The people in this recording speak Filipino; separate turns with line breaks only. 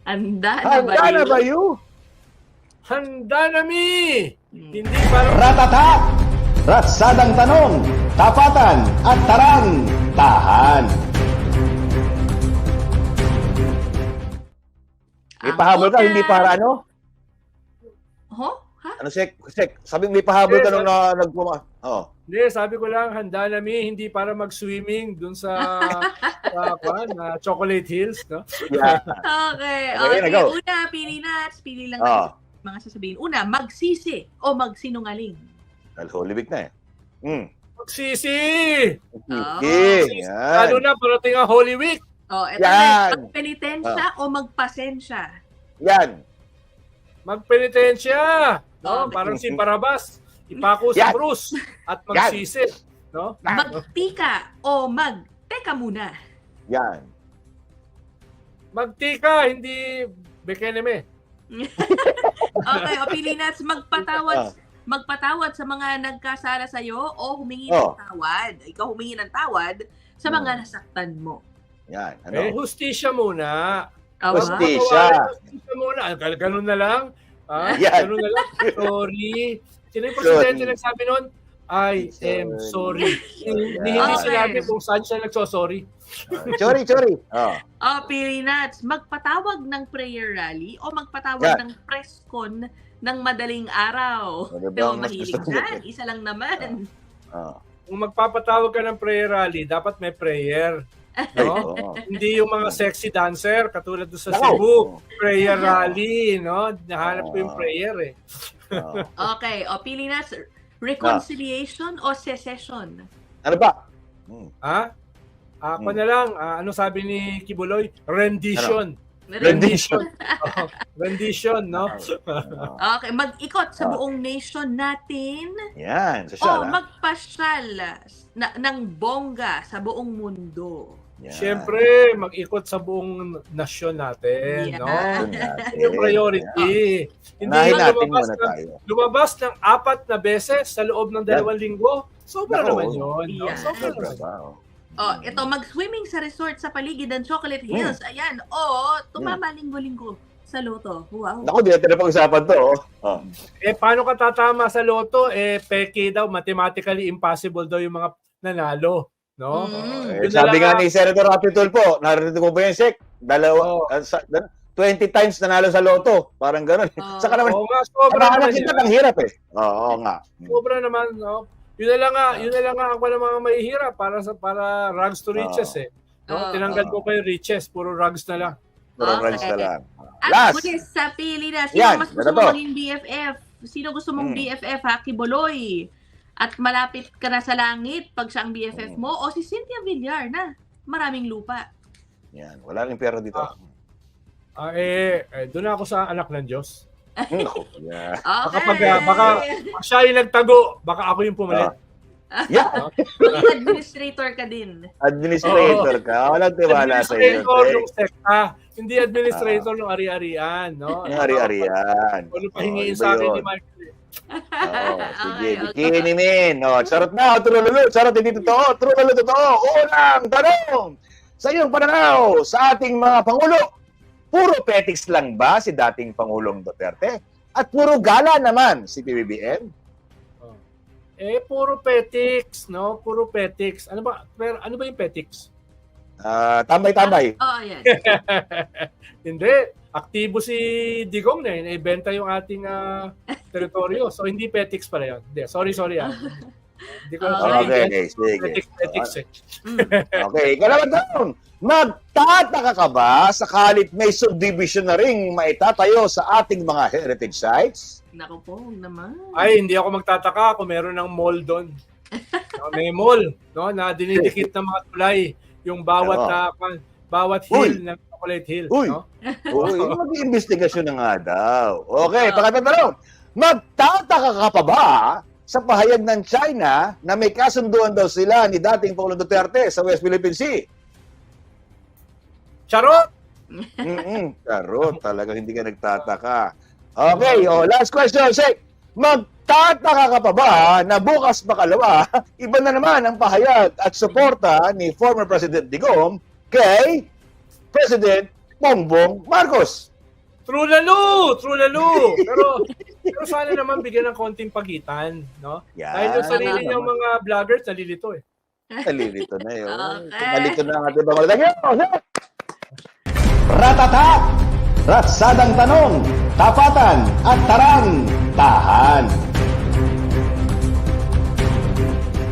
Handa na ba
Handa na
yun?
ba you?
Handa na mi! Hindi para
Ratata! Ratsadang tanong, tapatan at tarang, tahan. May pahabol ka,
una.
hindi para ano?
Ho? Ha?
Ano, Sek? Sabi may pahabol ka
Yes,
nung nagpuma. Oh.
Hindi, sabi ko lang, handa na mi, hindi para mag-swimming dun sa Chocolate Hills, no?
Yeah.
Okay.
Okay,
Okay.
go.
Una, pili na. Pili lang
Ah.
mga sasabihin. Una, magsisi o magsinungaling.
Holy Week na eh.
Magsisi!
Okay.
Lalo
Yan.
na, parating ang Holy Week.
Oh, eto
Yan.
na. Magpenitensya o magpasensya.
Yan.
Magpenitensya! No?
Okay.
Parang si Barabas. Ipako sa
Yan.
krus at magsisi. No?
Magtika o teka muna.
Yan.
Magtika, hindi bekeneme.
Okay, o pili na. Magpatawad sa mga nagkasala sa'yo o humingi
Oh.
ng tawad. Ikaw humingi ng tawad sa mga nasaktan mo.
Yan.
Eh,
Ano?
hustisya muna.
Aba?
Hustisya.
Hustisya muna. Ganun na lang.
Yan.
Ganun na lang. Sorry. Sino yung presidente nagsabi nun? I am sorry. Hindi
Okay.
sinabi kung saan siya nagsosorry.
Chori. Oh.
O pili na. Magpatawag ng prayer rally o magpatawag
Yan.
ng press con ng madaling araw.
Ano ba
Pero
ang mas
mahilig
gusto mo
dyan.
dyan?
Isa lang naman.
Oh.
Kung magpapatawag ka ng prayer rally, dapat may prayer. No?
Oo.
Hindi yung mga sexy dancer katulad doon sa
Nako.
Cebu. Prayer rally, no? Nahanap ko yung prayer eh.
Oh.
Okay. O pili na. Reconciliation o secession?
Ano ba?
Ha? Ako na lang, ano sabi ni Kibuloy? Rendition.
Rendition.
Oh, rendition, no?
Okay. Mag-ikot sa buong nation natin
Yan.
o
Social, ha?
magpasyal ng bongga sa buong mundo.
Yan.
Siyempre, mag-ikot sa buong nasyon natin,
Yeah.
no?
Yun natin.
Yun yung priority. Hindi
Unahin
lang
natin muna tayo.
lumabas ng 4 na beses sa loob ng 2 linggo. Sobra
Nako.
naman yun. No?
Yeah.
Sobra
Sobra
naman.
ba?
Oh, ito mag-swimming sa resort sa paligid ng Chocolate Hills. Ayan. O tumama linggo-linggo sa loto. Wow.
Naku, di natin napag-usapan to. Oh.
Eh, paano ka tatama sa loto? Eh, peke daw, mathematically impossible daw yung mga nanalo. No?
Mm.
Yun na
Sabi
lang
nga
ang-
ni Senator Rapi Tulfo, narinig mo ba yun, Sek?
Oo.
20 times nanalo sa loto. Parang gano'n. Saka naman,
Oo nga, sobra naman
kita
yun.
ang hirap eh. Oo nga.
Sobra naman, no? Yun na lang nga ako ng mga mahihirap para rags to riches eh. No? Tinanggal ko pa yung riches, puro rags na lang.
Puro
Okay.
runs na lang.
At
Last.
muli sa pili na. Sino
Yan,
mas gusto
ano
mo
to?
maging BFF? Sino gusto mong
Mm.
BFF, ha? Kiboloy. At malapit ka na sa langit pag siya ang BFF mo. O si Cynthia Villar na maraming lupa.
Yan. Wala rin pera dito.
Doon ako sa anak ng Diyos.
Naku. Yeah.
Okay.
Baka siya yung nagtago, baka ako yung pumalit.
Yeah.
Maging administrator ka din.
Administrator ka. Walang tiwala sa iyo.
Administrator ng sekta, hindi administrator ng ari-arian. No?
Ang ari-arian.
Ano pa hingiin
iba
sa akin
yun.
ni Michael?
Oo, sige.
Okay.
Bikini min. Oh, charot na, trululu. Charot, hindi totoo. Trululu, totoo. Unang tanong. Sa iyong pananaw, sa ating mga Pangulo, puro petics lang ba si dating Pangulong Duterte? At puro gala naman si PBBM?
Puro petics, no? Puro petics. Ano ba yung petics?
Tambay-tambay.
Oh, yan.
Hindi. Aktibo si Digong na yun. Ibenta yung ating teritoryo. So, hindi petics pala yun. Hindi. Sorry. Hindi ko
Okay, sige.
petics eh.
Okay, ikalawang tanong. Magtataka ka ba sakalit may subdivision na ring maitatayo sa ating mga heritage sites?
Naku po, huwag naman.
Ay, hindi ako magtataka kung meron ng mall doon. May mall, no, na dinidikit ng mga tulay yung bawat hill ng Chocolate Hill,
Uy.
no?
Uy, mag-iimbestigasyon na nga daw. Okay, pangatlong tanong. Magtataka ka pa ba sa pahayag ng China na may kasunduan daw sila ni dating Pangulong Duterte sa West Philippine Sea?
Charot!
Charot, talagang hindi ka nagtataka. Okay, last question, Sek. Magtataka ka pa ba na bukas makalawa, iba na naman ang pahayag at suporta ni former President Digong kay President Bongbong Marcos?
True lalo! Pero sana naman bigyan ng konting pagitan, no?
Yan.
Dahil yung sarili niyang mga vloggers, nalilito eh.
Nalilito na yun.
Okay.
Nalilito na ang ating mga lagyan.
Ratata! Ratsadang tanong, tapatan at tarang, tahan.